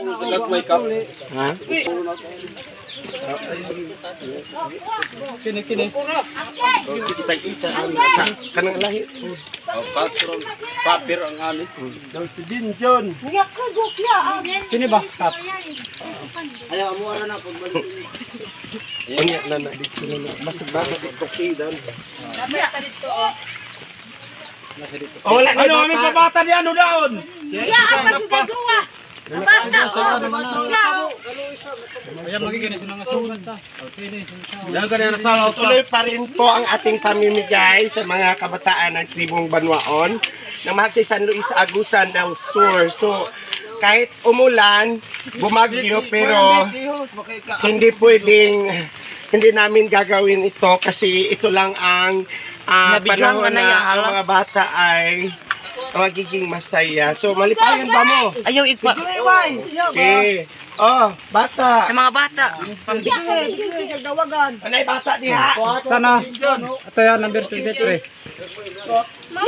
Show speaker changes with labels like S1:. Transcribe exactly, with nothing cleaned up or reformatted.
S1: Lag may cup.
S2: Ha?
S1: Kini kini.
S2: Kita isa ang sa kanang lahi.
S1: Oh, patron. Papir ang ani.
S2: Daw si Dinjon.
S1: Kini ba? Cup.
S3: Ayaw mo ara na pagbalik.
S2: Unya na na dito na. Mas bago dito kidan. Oh, wala na
S1: Ano aming pabata di ano daon?
S4: Ya, apa sudah dua?
S1: Ayan magiging sinang asugat ta. Okay, yan kanina nasalaw
S2: Tuloy pa rin po ang ating pamimigay sa mga kabataan ng tribong Banwaon ng Magsi San Luis Agusan del Sur. So, kahit umulan, bumagyo, pero hindi pwedeng, hindi namin gagawin ito kasi ito lang ang ah, panahon na ang mga bata ay magiging masaya. So, malipayan ba mo?
S5: Ayaw ikpa.
S2: Okay. Oh, bata.
S5: Sa mga bata.
S2: Anay bata diha?
S1: Sana. Ito yan number twenty-three.